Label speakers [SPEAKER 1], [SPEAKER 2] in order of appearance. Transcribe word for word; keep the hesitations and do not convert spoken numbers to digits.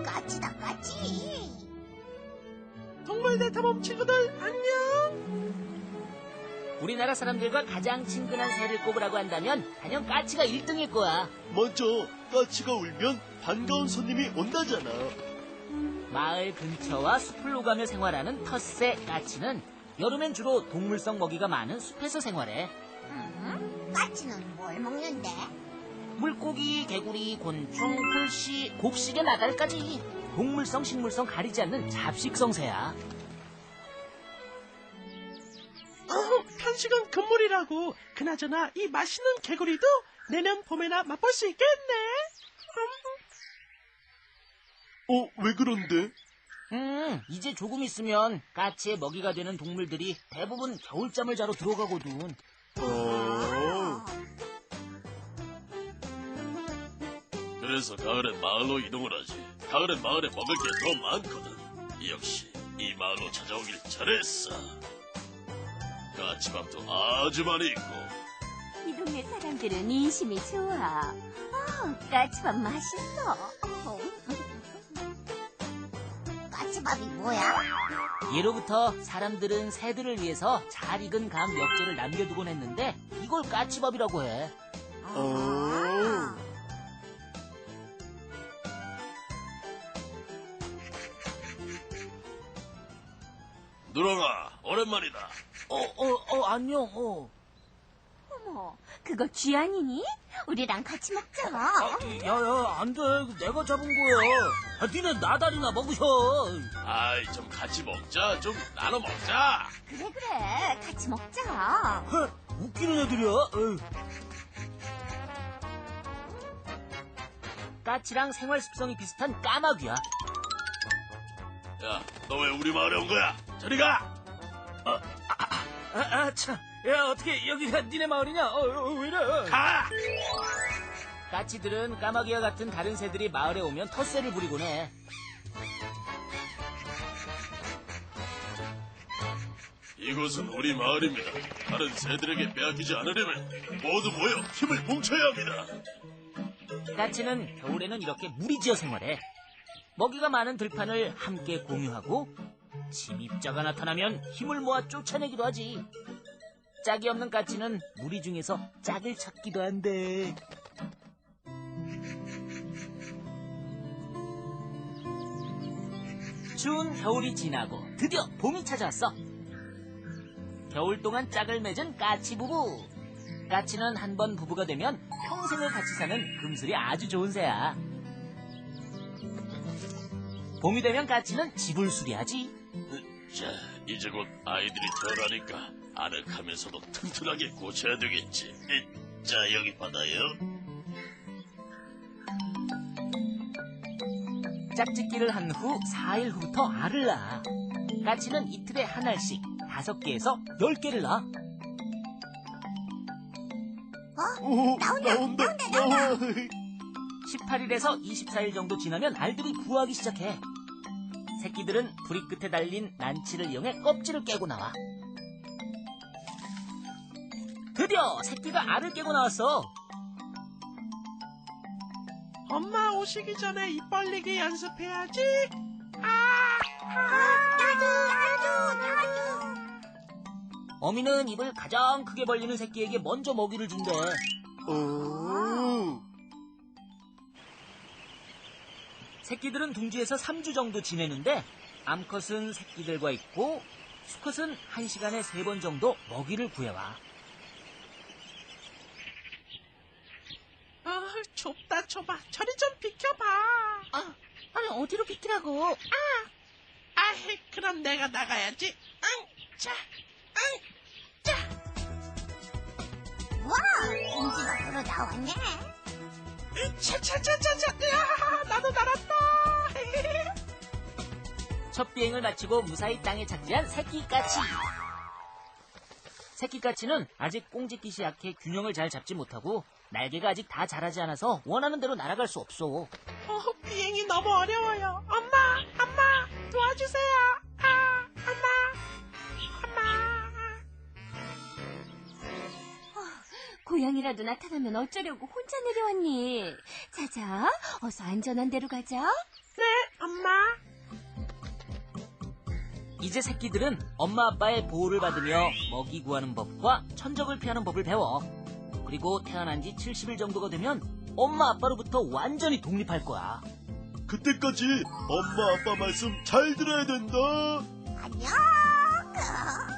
[SPEAKER 1] 까치다, 까치.
[SPEAKER 2] 동물대 탐험 친구들 안녕.
[SPEAKER 3] 우리나라 사람들과 가장 친근한 새를 꼽으라고 한다면 단연 까치가 일 등일 거야.
[SPEAKER 4] 맞아. 까치가 울면 반가운 손님이 온다잖아.
[SPEAKER 3] 마을 근처와 숲을 오가며 생활하는 텃새 까치는 여름엔 주로 동물성 먹이가 많은 숲에서 생활해.
[SPEAKER 1] 음, 까치는 뭘 먹는데?
[SPEAKER 3] 물고기, 개구리, 곤충, 풀씨, 곱식의 나달까지 동물성, 식물성 가리지 않는 잡식성 새야.
[SPEAKER 2] 어, 간식은 금물이라고. 그나저나 이 맛있는 개구리도 내년 봄에나 맛볼 수 있겠네.
[SPEAKER 4] 어, 왜 그런데?
[SPEAKER 3] 음, 이제 조금 있으면 까치의 먹이가 되는 동물들이 대부분 겨울잠을 자러 들어가거든.
[SPEAKER 4] 어...
[SPEAKER 5] 그래서 가을엔 마을로 이동을 하지. 가을엔 마을에 먹을 게 더 많거든. 역시 이 마을로 찾아오길 잘했어. 까치밥도 아주 많이 있고.
[SPEAKER 6] 이 동네 사람들은 인심이 좋아. 어, 까치밥 맛있어. 어.
[SPEAKER 1] 까치밥이 뭐야?
[SPEAKER 3] 예로부터 사람들은 새들을 위해서 잘 익은 감 몇 개를 남겨두곤 했는데 이걸 까치밥이라고 해.
[SPEAKER 4] 어...
[SPEAKER 5] 누렁아, 오랜만이다.
[SPEAKER 3] 어, 어, 어, 안녕, 어.
[SPEAKER 6] 어머, 그거 쥐아니니? 우리랑 같이 먹자.
[SPEAKER 3] 야, 야, 안 돼. 내가 잡은 거야. 아, 니네 나다리나 먹으셔.
[SPEAKER 5] 아이, 좀 같이 먹자. 좀 나눠 먹자.
[SPEAKER 6] 그래, 그래. 같이 먹자.
[SPEAKER 3] 헤, 웃기는 애들이야. 에이. 까치랑 생활 습성이 비슷한 까마귀야.
[SPEAKER 5] 야, 너 왜 우리 마을에 온 거야? 저리 가!
[SPEAKER 3] 아, 아, 참. 야, 어떻게 여기가 니네 마을이냐? 어, 어, 왜 이래?
[SPEAKER 5] 가!
[SPEAKER 3] 까치들은 까마귀와 같은 다른 새들이 마을에 오면 텃세를 부리곤 해.
[SPEAKER 5] 이곳은 우리 마을입니다. 다른 새들에게 빼앗기지 않으려면 모두 모여 힘을 뭉쳐야 합니다.
[SPEAKER 3] 까치는 겨울에는 이렇게 무리지어 생활해. 먹이가 많은 들판을 함께 공유하고 침입자가 나타나면 힘을 모아 쫓아내기도 하지. 짝이 없는 까치는 무리 중에서 짝을 찾기도 한대. 추운 겨울이 지나고 드디어 봄이 찾아왔어. 겨울 동안 짝을 맺은 까치 부부. 까치는 한 번 부부가 되면 평생을 같이 사는 금슬이 아주 좋은 새야. 봄이 되면 까치는 집을 수리하지.
[SPEAKER 5] 자, 이제 곧 아이들이 태어나니까 아늑하면서도 튼튼하게 고쳐야 되겠지. 자, 여기 받아요.
[SPEAKER 3] 짝짓기를 한 후 사 일 후부터 알을 낳아. 까치는 이틀에 한 알씩 다섯 개에서 열 개를 낳아.
[SPEAKER 1] 어?
[SPEAKER 4] 오,
[SPEAKER 1] 나온다,
[SPEAKER 4] 나온다,
[SPEAKER 1] 나온다,
[SPEAKER 4] 나와.
[SPEAKER 3] 십팔 일에서 이십사 일 정도 지나면 알들이 부화하기 시작해. 새끼들은 부리 끝에 달린 난치를 이용해 껍질을 깨고 나와. 드디어 새끼가 알을 깨고 나왔어.
[SPEAKER 2] 엄마 오시기 전에 입 벌리기 연습해야지. 아, 아,
[SPEAKER 1] 나도, 나도, 나도.
[SPEAKER 3] 어미는 입을 가장 크게 벌리는 새끼에게 먼저 먹이를 준대.
[SPEAKER 4] 어...
[SPEAKER 3] 새끼들은 둥지에서 삼 주 정도 지내는데 암컷은 새끼들과 있고 수컷은 한 시간에 세 번 정도 먹이를 구해와.
[SPEAKER 2] 아, 좁다 좁아. 저리 좀 비켜봐.
[SPEAKER 3] 아, 아니 어디로 비키라고?
[SPEAKER 2] 아, 아이, 그럼 내가 나가야지. 응, 자, 응, 자.
[SPEAKER 1] 와, 인지가 으로 나왔네.
[SPEAKER 2] 차차차차차. 야, 나도 날았다.
[SPEAKER 3] 첫 비행을 마치고 무사히 땅에 착지한 새끼까치. 새끼까치는 아직 꽁짓깃이 약해 균형을 잘 잡지 못하고 날개가 아직 다 자라지 않아서 원하는 대로 날아갈 수 없어.
[SPEAKER 2] 어, 비행이 너무 어려워요. 엄마, 엄마, 도와주세요. 아, 엄마, 엄마.
[SPEAKER 6] 고양이라도 나타나면 어쩌려고 혼자 내려왔니? 자자, 어서 안전한 데로 가자.
[SPEAKER 2] 네,
[SPEAKER 3] 이제 새끼들은 엄마 아빠의 보호를 받으며 먹이 구하는 법과 천적을 피하는 법을 배워. 그리고 태어난 지 칠십 일 정도가 되면 엄마 아빠로부터 완전히 독립할 거야.
[SPEAKER 4] 그때까지 엄마 아빠 말씀 잘 들어야 된다.
[SPEAKER 1] 안녕.